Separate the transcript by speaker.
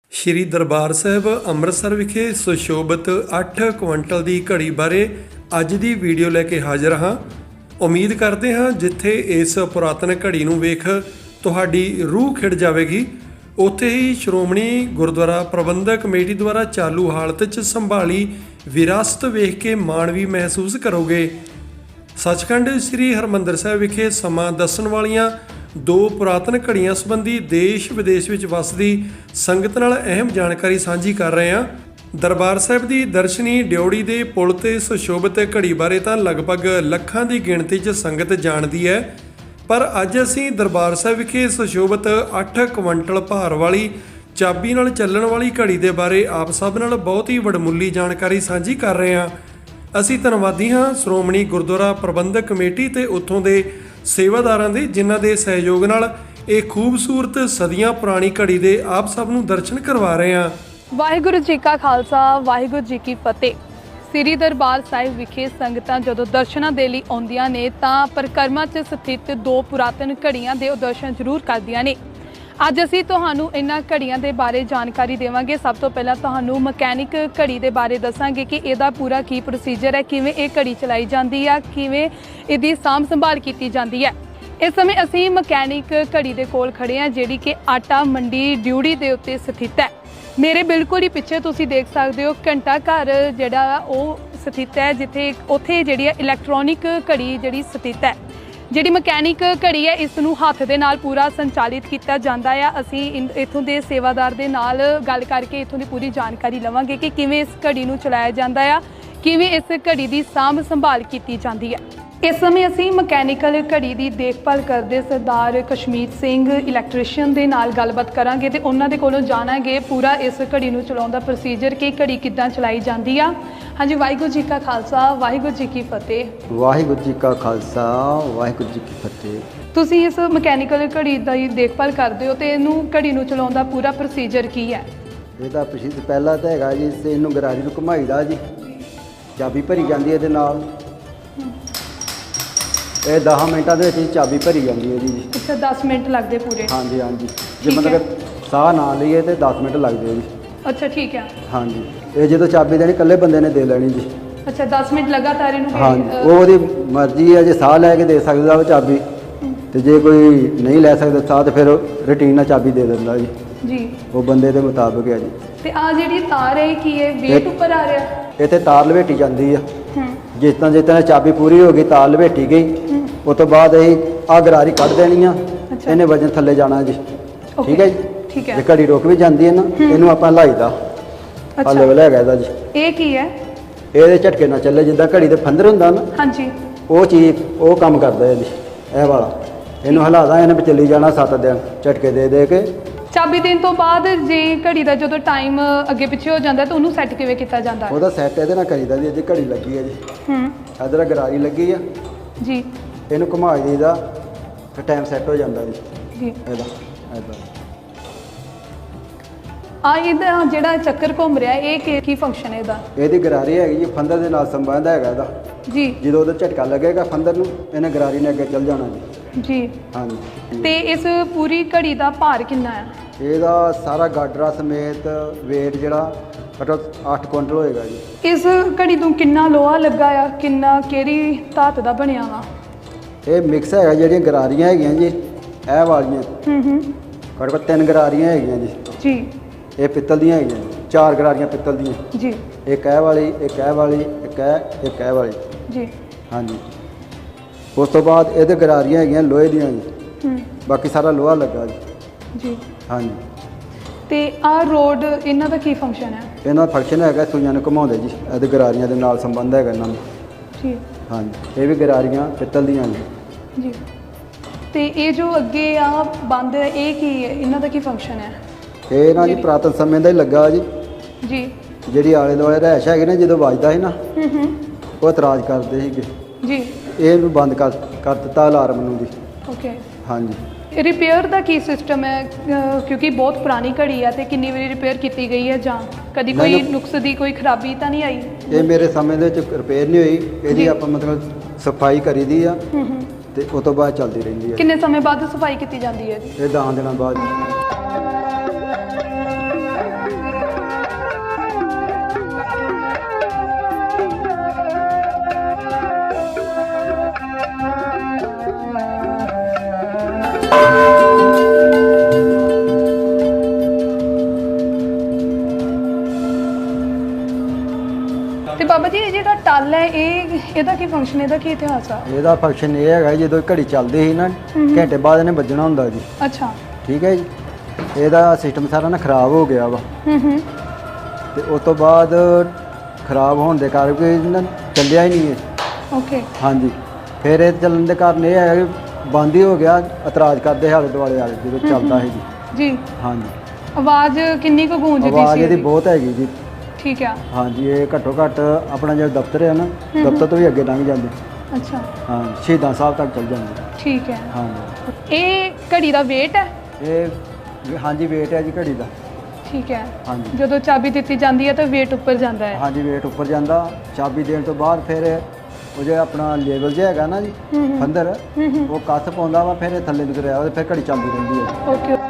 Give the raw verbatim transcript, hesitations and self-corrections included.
Speaker 1: ਸ਼੍ਰੀ ਦਰਬਾਰ ਸਾਹਿਬ ਅੰਮ੍ਰਿਤਸਰ ਵਿਖੇ ਸੁਸ਼ੋਭਿਤ ਅੱਠ ਕੁਇੰਟਲ ਦੀ ਘੜੀ ਬਾਰੇ ਅੱਜ ਦੀ ਵੀਡੀਓ ਲੈ ਕੇ ਹਾਜ਼ਰ ਹਾਂ। ਉਮੀਦ ਕਰਦੇ ਹਾਂ ਜਿੱਥੇ ਇਸ ਪੁਰਾਤਨ ਘੜੀ ਨੂੰ ਵੇਖ ਤੁਹਾਡੀ ਰੂਹ ਖਿੜ ਜਾਵੇਗੀ, ਉੱਥੇ ਹੀ ਸ਼੍ਰੋਮਣੀ ਗੁਰਦੁਆਰਾ ਪ੍ਰਬੰਧਕ ਕਮੇਟੀ ਦੁਆਰਾ ਚਾਲੂ ਹਾਲਤ 'ਚ ਸੰਭਾਲੀ ਵਿਰਾਸਤ ਵੇਖ ਕੇ ਮਾਣ ਵੀ ਮਹਿਸੂਸ ਕਰੋਗੇ। ਸੱਚਖੰਡ ਸ੍ਰੀ ਹਰਿਮੰਦਰ ਸਾਹਿਬ ਵਿਖੇ ਸਮਾਂ ਦੱਸਣ ਵਾਲੀਆਂ ਦੋ ਪੁਰਾਤਨ ਘੜੀਆਂ ਸੰਬੰਧੀ ਦੇਸ਼ ਵਿਦੇਸ਼ ਵਿੱਚ ਵਸਦੀ ਸੰਗਤ ਨਾਲ ਅਹਿਮ ਜਾਣਕਾਰੀ ਸਾਂਝੀ ਕਰ ਰਹੇ ਹਾਂ। ਦਰਬਾਰ ਸਾਹਿਬ ਦੀ ਦਰਸ਼ਨੀ ਡਿਉੜੀ ਦੇ ਪੁਲ ਤੇ ਸੁਸ਼ੋਭਿਤ ਘੜੀ ਬਾਰੇ ਤਾਂ ਲਗਭਗ ਲੱਖਾਂ ਦੀ ਗਿਣਤੀ 'ਚ ਸੰਗਤ ਜਾਣਦੀ ਹੈ, ਪਰ ਅੱਜ ਅਸੀਂ ਦਰਬਾਰ ਸਾਹਿਬ ਵਿਖੇ ਸੁਸ਼ੋਭਿਤ ਅੱਠ ਕੁਇੰਟਲ ਭਾਰ ਵਾਲੀ ਚਾਬੀ ਨਾਲ ਚੱਲਣ ਵਾਲੀ ਘੜੀ ਦੇ ਬਾਰੇ ਆਪ ਸਭ ਨਾਲ ਬਹੁਤ ਹੀ ਵਡਮੁੱਲੀ ਜਾਣਕਾਰੀ ਸਾਂਝੀ ਕਰ ਰਹੇ ਹਾਂ। ਅਸੀਂ ਧੰਨਵਾਦੀ ਹਾਂ ਸ਼੍ਰੋਮਣੀ ਗੁਰਦੁਆਰਾ ਪ੍ਰਬੰਧਕ ਕਮੇਟੀ ਤੇ ਉੱਥੋਂ ਦੇ ਸੇਵਾਦਾਰਾਂ ਦੇ, ਜਿਨ੍ਹਾਂ ਦੇ ਸਹਿਯੋਗ ਨਾਲ ਇਹ ਖੂਬਸੂਰਤ ਸਦੀਆਂ ਪੁਰਾਣੀ ਘੜੀ ਦੇ ਆਪ ਸਭ ਨੂੰ ਦਰਸ਼ਨ ਕਰਵਾ ਰਹੇ ਹਾਂ।
Speaker 2: ਵਾਹਿਗੁਰੂ ਜੀ ਕਾ ਖਾਲਸਾ, ਵਾਹਿਗੁਰੂ ਜੀ ਕੀ ਫਤਿਹ। ਸ੍ਰੀ ਦਰਬਾਰ ਸਾਹਿਬ ਵਿਖੇ ਸੰਗਤਾਂ ਜਦੋਂ ਦਰਸ਼ਨਾਂ ਦੇ ਲਈ ਆਉਂਦੀਆਂ ਨੇ ਤਾਂ ਪਰਿਕਰਮਾ 'ਚ ਸਥਿਤ ਦੋ ਪੁਰਾਤਨ ਘੜੀਆਂ ਦੇ ਦਰਸ਼ਨ ਜ਼ਰੂਰ ਕਰਦੀਆਂ ਨੇ। ਅੱਜ ਅਸੀਂ ਤੁਹਾਨੂੰ ਇਹਨਾਂ ਘੜੀਆਂ ਦੇ ਬਾਰੇ ਜਾਣਕਾਰੀ ਦੇਵਾਂਗੇ। ਸਭ ਤੋਂ ਪਹਿਲਾਂ ਤੁਹਾਨੂੰ ਮਕੈਨਿਕ ਘੜੀ ਦੇ ਬਾਰੇ ਦੱਸਾਂਗੇ ਕਿ ਇਹਦਾ ਪੂਰਾ ਕੀ ਪ੍ਰੋਸੀਜਰ ਹੈ, ਕਿਵੇਂ ਇਹ ਘੜੀ ਚਲਾਈ ਜਾਂਦੀ ਆ, ਕਿਵੇਂ ਇਹਦੀ ਸਾਂਭ ਸੰਭਾਲ ਕੀਤੀ ਜਾਂਦੀ ਹੈ। ਇਸ ਸਮੇਂ ਅਸੀਂ ਮਕੈਨਿਕ ਘੜੀ ਦੇ ਕੋਲ ਖੜੇ ਹਾਂ, ਜਿਹੜੀ ਕਿ ਆਟਾ ਮੰਡੀ ਡਿਉੜੀ ਦੇ ਉੱਤੇ ਸਥਿਤ ਹੈ। ਮੇਰੇ ਬਿਲਕੁਲ ਹੀ ਪਿੱਛੇ ਤੁਸੀਂ ਦੇਖ ਸਕਦੇ ਹੋ ਘੰਟਾ ਘਰ ਜਿਹੜਾ ਉਹ ਸਥਿਤ ਹੈ, ਜਿੱਥੇ ਉੱਥੇ ਜਿਹੜੀ ਹੈ ਇਲੈਕਟ੍ਰੋਨਿਕ ਘੜੀ ਜਿਹੜੀ ਸਥਿਤ ਹੈ। ਜਿਹੜੀ ਮਕੈਨਿਕ ਘੜੀ ਹੈ ਇਸ ਨੂੰ ਹੱਥ ਦੇ ਨਾਲ ਪੂਰਾ ਸੰਚਾਲਿਤ ਕੀਤਾ ਜਾਂਦਾ ਆ। ਅਸੀਂ ਇੱਥੋਂ ਦੇ ਸੇਵਾਦਾਰ ਦੇ ਨਾਲ ਗੱਲ ਕਰਕੇ ਇੱਥੋਂ ਦੀ ਪੂਰੀ ਜਾਣਕਾਰੀ ਲਵਾਂਗੇ ਕਿ ਕਿਵੇਂ ਇਸ ਘੜੀ ਨੂੰ ਚਲਾਇਆ ਜਾਂਦਾ ਆ, ਕਿਵੇਂ ਇਸ ਘੜੀ ਦੀ ਸਾਂਭ ਸੰਭਾਲ ਕੀਤੀ ਜਾਂਦੀ ਹੈ। ਇਸ ਸਮੇਂ ਅਸੀਂ ਮਕੈਨੀਕਲ ਘੜੀ ਦੀ ਦੇਖਭਾਲ ਕਰਦੇ ਸਰਦਾਰ ਕਸ਼ਮੀਰ ਸਿੰਘ ਇਲੈਕਟ੍ਰੀਸ਼ੀਅਨ ਦੇ ਨਾਲ ਗੱਲਬਾਤ ਕਰਾਂਗੇ ਤੇ ਉਹਨਾਂ ਦੇ ਕੋਲੋਂ ਜਾਣਾਂਗੇ ਪੂਰਾ ਇਸ ਘੜੀ ਨੂੰ ਚਲਾਉਣ ਦਾ ਪ੍ਰੋਸੀਜਰ ਕਿ ਘੜੀ ਕਿੱਦਾਂ ਚਲਾਈ ਜਾਂਦੀ ਆ। ਹਾਂਜੀ, ਵਾਹਿਗੁਰੂ ਜੀ ਕਾ ਖਾਲਸਾ, ਵਾਹਿਗੁਰੂ ਜੀ ਕੀ ਫਤਿਹ।
Speaker 3: ਵਾਹਿਗੁਰੂ ਜੀ ਕਾ ਖਾਲਸਾ, ਵਾਹਿਗੁਰੂ ਜੀ ਕੀ ਫਤਿਹ।
Speaker 2: ਤੁਸੀਂ ਇਸ ਮਕੈਨੀਕਲ ਘੜੀ ਦੀ ਦੇਖਭਾਲ ਕਰਦੇ ਹੋ ਤੇ ਇਹਨੂੰ ਘੜੀ ਨੂੰ ਚਲਾਉਣ ਦਾ ਪੂਰਾ ਪ੍ਰੋਸੀਜਰ ਕੀ ਹੈ?
Speaker 3: ਇਹਦਾ ਪ੍ਰੋਸੀਜਰ ਪਹਿਲਾਂ ਤਾਂ ਹੈਗਾ ਜੀ, ਤੇ ਇਹਨੂੰ ਗਰਾਰੀ ਨੂੰ ਘੁਮਾਈਦਾ ਜੀ, ਚਾਬੀ ਭਰੀ ਜਾਂਦੀ ਹੈ ਇਹਦੇ ਨਾਲ। ਇਹ ਦਸ ਮਿੰਟਾਂ ਦੇ ਵਿੱਚ ਹੀ ਚਾਬੀ ਭਰੀ ਜਾਂਦੀ ਹੈ ਜੀ।
Speaker 2: ਅੱਛਾ, ਦਸ ਮਿੰਟ ਲੱਗਦੇ ਪੂਰੇ?
Speaker 3: ਹਾਂਜੀ ਹਾਂਜੀ, ਜੇ ਮਤਲਬ ਸਾਹ ਨਾ ਲਈਏ ਤੇ ਦਸ ਮਿੰਟ ਲੱਗਦੇ ਜੀ।
Speaker 2: ਅੱਛਾ, ਠੀਕ ਹੈ।
Speaker 3: ਹਾਂਜੀ, ਇਹ ਜਦੋਂ ਚਾਬੀ ਦੇਣੀ ਇਕੱਲੇ ਬੰਦੇ ਨੇ ਦੇ ਲੈਣੀ ਜੀ।
Speaker 2: ਅੱਛਾ, ਦਸ ਮਿੰਟ ਲਗਾਤਾਰ ਇਹਨੂੰ?
Speaker 3: ਹਾਂਜੀ, ਉਹ ਉਹਦੀ ਮਰਜ਼ੀ ਹੈ, ਜੇ ਸਾਹ ਲੈ ਕੇ ਦੇ ਸਕਦਾ ਉਹ ਚਾਬੀ, ਤੇ ਜੇ ਕੋਈ ਨਹੀਂ ਲੈ ਸਕਦਾ ਸਾਹ ਤੇ ਫਿਰ ਰੂਟੀਨ ਨਾਲ ਚਾਬੀ ਦੇ ਦਿੰਦਾ ਜੀ
Speaker 2: ਜੀ, ਉਹ
Speaker 3: ਬੰਦੇ ਦੇ ਮੁਤਾਬਕ ਹੈ ਜੀ।
Speaker 2: ਤੇ ਆ ਜਿਹੜੀ ਤਾਰ ਹੈ ਕੀ ਹੈ, ਵੇਟ ਉੱਪਰ ਆ ਰਿਹਾ?
Speaker 3: ਇੱਥੇ ਤਾਰ ਲਵੇਟੀ ਜਾਂਦੀ ਆ।
Speaker 2: ਹੂੰ, ਜਿਸ
Speaker 3: ਤਰ੍ਹਾਂ ਜਿਸ ਤਰ੍ਹਾਂ ਚਾਬੀ ਪੂਰੀ ਹੋ ਗਈ, ਤਾਰ ਲਵੇਟੀ ਗਈ, ਉਸ ਤੋਂ ਬਾਅਦ ਅਸੀਂ ਆਹ ਗਰਾਰੀ ਕੱਢ ਦੇਣੀ ਆ। ਇਹਨੇ ਵਜਨ ਥੱਲੇ ਜਾਣਾ ਜੀ। ਠੀਕ ਹੈ ਜੀ, ਠੀਕ ਹੈ। ਜੇ ਘੜੀ ਰੁਕ ਵੀ ਜਾਂਦੀ ਹੈ ਨਾ, ਇਹਨੂੰ ਆਪਾਂ ਹਿਲਾਈਦਾ। ਆਹ ਲੈਵਲ ਹੈਗਾ ਇਹਦਾ ਜੀ। ਇਹ ਕੀ ਹੈ? ਇਹਦੇ ਝਟਕੇ ਨਾਲ ਚੱਲੇ, ਜਿੱਦਾਂ ਘੜੀ ਦੇ ਫੰਦਰ ਹੁੰਦਾ ਨਾ, ਹਾਂਜੀ, ਉਹ ਚੀਜ਼ ਉਹ ਕੰਮ ਕਰਦਾ ਹੈ ਜੀ, ਇਹ ਵਾਲਾ। ਇਹਨੂੰ ਹਿਲਾਦਾ, ਇਹਨੇ ਚੱਲੀ ਜਾਣਾ ਸੱਤ ਦਿਨ ਝਟਕੇ ਦੇ ਦੇ ਕੇ। ਚਾਬੀ ਦੇਣ ਤੋਂ ਬਾਅਦ ਜੇ ਘੜੀ ਦਾ ਜਦੋਂ ਟਾਈਮ ਅੱਗੇ ਪਿੱਛੇ ਹੋ ਜਾਂਦਾ ਤਾਂ ਉਹਨੂੰ ਸੈੱਟ ਕਿਵੇਂ ਕੀਤਾ ਜਾਂਦਾ? ਉਹਦਾ ਸੈੱਟ ਇਹਦੇ ਨਾਲ ਕਰੀਦਾ ਜੀ। ਜੇ ਘੜੀ ਲੱਗੀ ਹੈ ਜੀ, ਹੂੰ, ਇਧਰ ਗਰਾਰੀ ਲੱਗੀ ਆ ਜੀ, ਇਹਨੂੰ ਘੁਮਾ ਦਈਦਾ ਤੇ ਟਾਈਮ ਸੈੱਟ ਹੋ ਜਾਂਦਾ ਜੀ ਜੀ। ਇਹਦਾ ਇਹਦਾ ਆ ਇਹਦਾ ਜਿਹੜਾ ਚੱਕਰ ਘੁੰਮ ਰਿਹਾ, ਇਹ ਕੀ ਕੀ ਫੰਕਸ਼ਨ ਹੈ ਇਹਦਾ? ਇਹਦੀ ਗਰਾਰੀ ਹੈਗੀ ਜੀ, ਫੰਦਰ ਦੇ ਨਾਲ ਸੰਬੰਧ ਹੈਗਾ ਇਹਦਾ ਜੀ। ਜਦੋਂ ਉਹਦਾ ਝਟਕਾ ਲੱਗੇਗਾ ਫੰਦਰ ਨੂੰ, ਇਹਨੇ ਗਰਾਰੀ ਨੇ ਅੱਗੇ ਚੱਲ ਜਾਣਾ ਜੀ ਜੀ। ਹਾਂਜੀ, ਤੇ ਇਸ ਪੂਰੀ ਘੜੀ ਦਾ ਭਾਰ ਕਿੰਨਾ ਹੈ? ਇਹਦਾ ਸਾਰਾ ਗਾਡਰਾ ਸਮੇਤ ਵੇਟ ਜਿਹੜਾ ਘੱਟੋ ਅੱਠ ਕੁਇੰਟਲ ਹੋਏਗਾ ਜੀ। ਇਸ ਘੜੀ ਤੋਂ ਕਿੰਨਾ ਲੋਹਾ ਲੱਗਾ ਆ, ਕਿੰਨਾ ਕਿਹੜੀ ਧਾਤ ਦਾ ਬਣਿਆ ਵਾ? ਇਹ ਮਿਕਸ ਹੈਗਾ, ਜਿਹੜੀਆਂ ਗਰਾਰੀਆਂ ਹੈਗੀਆਂ ਜੀ ਇਹ ਵਾਲੀਆਂ, ਹੂੰ ਹੂੰ, ਘੱਟੋ ਘੱਟ ਤਿੰਨ ਗਰਾਰੀਆਂ ਹੈਗੀਆਂ ਜੀ ਜੀ। ਇਹ ਪਿੱਤਲ ਦੀਆਂ ਹੈਗੀਆਂ, ਚਾਰ ਗਰਾਰੀਆਂ ਪਿੱਤਲ ਦੀਆਂ ਜੀ। ਇੱਕ ਇਹ ਵਾਲੀ, ਇੱਕ ਇਹ ਵਾਲੀ, ਇੱਕ ਇਹ, ਇੱਕ ਇਹ ਵਾਲੀ ਜੀ। ਹਾਂਜੀ, ਉਸ ਤੋਂ ਬਾਅਦ ਇਹਦੇ ਗਰਾਰੀਆਂ ਹੈਗੀਆਂ ਲੋਹੇ ਦੀਆਂ ਜੀ, ਹੂੰ, ਬਾਕੀ ਸਾਰਾ ਲੋਹਾ ਲੱਗਾ ਜੀ ਜੀ। ਹਾਂਜੀ, ਤੇ ਆਹ ਰੋਡ ਇਹਨਾਂ ਦਾ ਕੀ ਫੰਕਸ਼ਨ ਹੈ? ਇਹਨਾਂ ਦਾ ਫੰਕਸ਼ਨ ਹੈਗਾ ਸੂਈਆਂ ਨੂੰ ਘੁਮਾਉਂਦੇ ਜੀ, ਇਹਦੇ ਗਰਾਰੀਆਂ ਦੇ ਨਾਲ ਸੰਬੰਧ ਹੈਗਾ ਇਹਨਾਂ ਦਾ ਜੀ। ਹਾਂਜੀ, ਇਹ ਵੀ ਗਰਾਰੀਆਂ ਪਿੱਤਲ ਦੀਆਂ ਜੀ ਜੀ। ਤੇ ਇਹ ਜੋ ਅੱਗੇ ਆ ਬੰਦ ਹੈ, ਇਹ ਕੀ ਹੈ, ਇਹਨਾਂ ਦਾ ਕੀ ਫੰਕਸ਼ਨ ਹੈ? ਇਹ ਨਾ ਜੀ ਪੁਰਾਤਨ ਸਮੇਂ ਦਾ ਹੀ ਲੱਗਾ ਜੀ ਜੀ। ਜਿਹੜੀ ਆਲੇ ਦੁਆਲੇ ਰਹਿਸ਼ ਹੈਗੀ ਨਾ, ਜਦੋਂ ਵੱਜਦਾ ਸੀ ਨਾ, ਹੂੰ ਹੂੰ, ਉਹ ਇਤਰਾਜ਼ ਕਰਦੇ ਸੀਗੇ ਜੀ, ਇਹਨੂੰ ਬੰਦ ਕਰ ਕਰ ਦਿੱਤਾ ਅਲਾਰਮ ਨੂੰ ਜੀ। ਓਕੇ, ਹਾਂਜੀ। ਰਿਪੇਅਰ ਦਾ ਕੀ ਸਿਸਟਮ ਹੈ? ਕਿਉਂਕਿ ਬਹੁਤ ਪੁਰਾਣੀ ਘੜੀ ਆ ਤੇ ਕਿੰਨੀ ਵਾਰੀ ਰਿਪੇਅਰ ਕੀਤੀ ਗਈ ਹੈ ਜਾਂ ਕਦੀ ਕੋਈ ਨੁਕਸ ਦੀ ਕੋਈ ਖਰਾਬੀ ਤਾਂ ਨਹੀਂ ਆਈ? ਇਹ ਮੇਰੇ ਸਮੇਂ ਦੇ ਵਿੱਚ ਰਿਪੇਅਰ ਨਹੀਂ ਹੋਈ, ਇਹਦੀ ਆਪਾਂ ਮਤਲਬ ਸਫਾਈ ਕਰੀਦੀ ਆ ਤੇ ਉਸ ਤੋਂ ਬਾਅਦ ਚੱਲਦੀ ਰਹਿੰਦੀ ਹੈ। ਕਿੰਨੇ ਸਮੇਂ ਬਾਅਦ ਸਫਾਈ ਕੀਤੀ ਜਾਂਦੀ ਹੈ? ਇਹ ਦਸ ਦਿਨਾਂ ਬਾਅਦ।
Speaker 2: ਬਾਬਾ ਜੀ ਇਹ ਜਿਹੜਾ ਟੱਲ ਹੈ ਇਹ ਇਹਦਾ ਕੀ ਫੰਕਸ਼ਨ, ਇਹਦਾ ਕੀ ਇਤਿਹਾਸ ਆ?
Speaker 3: ਇਹਦਾ ਫੰਕਸ਼ਨ ਇਹ ਹੈਗਾ ਜਦੋਂ ਘੜੀ ਚੱਲਦੀ ਸੀ ਨਾ ਘੰਟੇ ਬਾਅਦ ਇਹਨੇ ਵੱਜਣਾ ਹੁੰਦਾ ਜੀ।
Speaker 2: ਅੱਛਾ
Speaker 3: ਠੀਕ ਹੈ ਜੀ। ਇਹਦਾ ਸਿਸਟਮ ਸਾਰਾ ਨਾ ਖਰਾਬ ਹੋ ਗਿਆ ਵਾ
Speaker 2: ਹੂੰ ਹੂੰ
Speaker 3: ਤੇ ਉਸ ਤੋਂ ਬਾਅਦ ਖਰਾਬ ਹੋਣ ਦੇ ਕਰਕੇ ਨਾ ਚੱਲਿਆ ਹੀ ਨਹੀਂ ਇਹ।
Speaker 2: ਓਕੇ
Speaker 3: ਹਾਂਜੀ। ਫਿਰ ਇਹ ਚੱਲਣ ਦੇ ਕਾਰਨ ਇਹ ਹੈ ਕਿ ਬੰਦ ਹੀ ਹੋ ਗਿਆ, ਇਤਰਾਜ਼ ਕਰਦੇ ਆਲੇ ਦੁਆਲੇ ਵਾਲੇ ਜਦੋਂ ਚੱਲਦਾ ਸੀ ਜੀ।
Speaker 2: ਜੀ
Speaker 3: ਹਾਂਜੀ।
Speaker 2: ਆਵਾਜ਼ ਕਿੰਨੀ ਕੁ ਗੂੰਜਦੀ ਸੀ?
Speaker 3: ਆਵਾਜ਼ ਇਹਦੀ ਬਹੁਤ ਹੈਗੀ ਜੀ।
Speaker 2: ਠੀਕ ਆ।
Speaker 3: ਹਾਂਜੀ। ਇਹ ਘੱਟੋ ਘੱਟ ਆਪਣਾ ਜਿਹੜਾ ਦਫ਼ਤਰ ਹੈ ਨਾ ਦਫ਼ਤਰ ਤੋਂ ਵੀ ਅੱਗੇ ਲੰਘ ਜਾਂਦੇ।
Speaker 2: ਅੱਛਾ।
Speaker 3: ਹਾਂ, ਸ਼ਹੀਦਾਂ ਸਾਹਿਬ ਤੱਕ ਚੱਲ ਜਾਂਦੇ।
Speaker 2: ਠੀਕ ਹੈ।
Speaker 3: ਹਾਂਜੀ।
Speaker 2: ਇਹ ਘੜੀ ਦਾ weight ਹੈ?
Speaker 3: ਇਹ ਹਾਂਜੀ weight ਹੈ ਜੀ ਘੜੀ ਦਾ।
Speaker 2: ਠੀਕ ਹੈ।
Speaker 3: ਹਾਂਜੀ।
Speaker 2: ਜਦੋਂ ਚਾਬੀ ਦਿੱਤੀ ਜਾਂਦੀ ਹੈ ਤਾਂ weight ਉੱਪਰ ਜਾਂਦਾ ਹੈ?
Speaker 3: ਹਾਂਜੀ weight ਉੱਪਰ ਜਾਂਦਾ। ਚਾਬੀ ਦੇਣ ਤੋਂ ਬਾਅਦ ਫਿਰ ਉਹ ਜਿਹੜਾ ਆਪਣਾ ਲੇਬਲ ਜਿਹਾ ਹੈਗਾ ਨਾ ਜੀ ਫੰਦਰ ਉਹ ਕੱਸ ਪਾਉਂਦਾ ਵਾ, ਫਿਰ ਇਹ ਥੱਲੇ ਨੂੰ ਗਿਰਿਆ ਫਿਰ ਘੜੀ ਚੱਲਦੀ ਰਹਿੰਦੀ ਹੈ।
Speaker 2: ਓਕੇ।